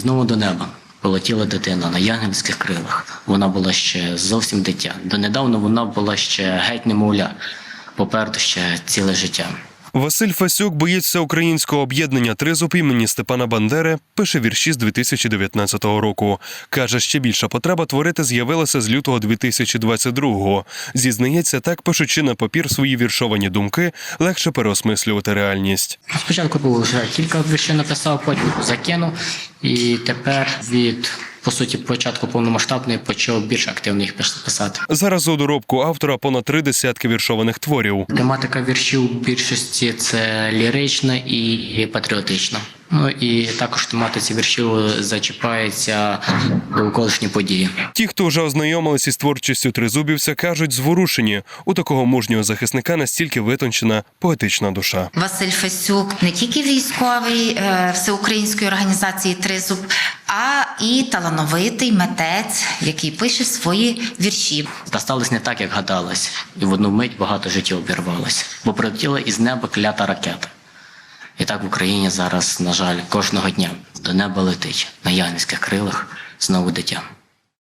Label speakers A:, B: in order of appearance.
A: знову до неба полетіла дитина на янголських крилах. Вона була ще зовсім дитя. Донедавна вона була ще геть немовля. Попереду ще ціле життя.
B: Василь Фасюк, боєць всеукраїнського об'єднання «Тризуб» імені Степана Бандери, пише вірші з 2019 року. Каже, ще більша потреба творити з'явилася з лютого 2022-го. Зізнається, так, пишучи на папір свої віршовані думки, легше переосмислювати реальність.
A: Спочатку було вже кілька віршів написав, потім закинув. І тепер від, по суті, початку повномасштабної почав більш активно їх писати.
B: Зараз у доробку автора понад 30 віршованих творів.
A: Тематика віршів у більшості – це лірична і патріотична. Ну і також в тематиці віршів зачіпаються довколишні події.
B: Ті, хто вже ознайомилися із творчістю тризубівця, кажуть, зворушені. У такого мужнього захисника настільки витончена поетична душа.
C: Василь Фасюк не тільки військовий всеукраїнської організації «Тризуб», а і талановитий митець, який пише свої вірші.
A: Та сталося не так, як гадалось. І в одну мить багато життів обірвалося. Бо прилетіла із неба клята ракета. І так в Україні зараз, на жаль, кожного дня до неба летить на янголських крилах знову дитя.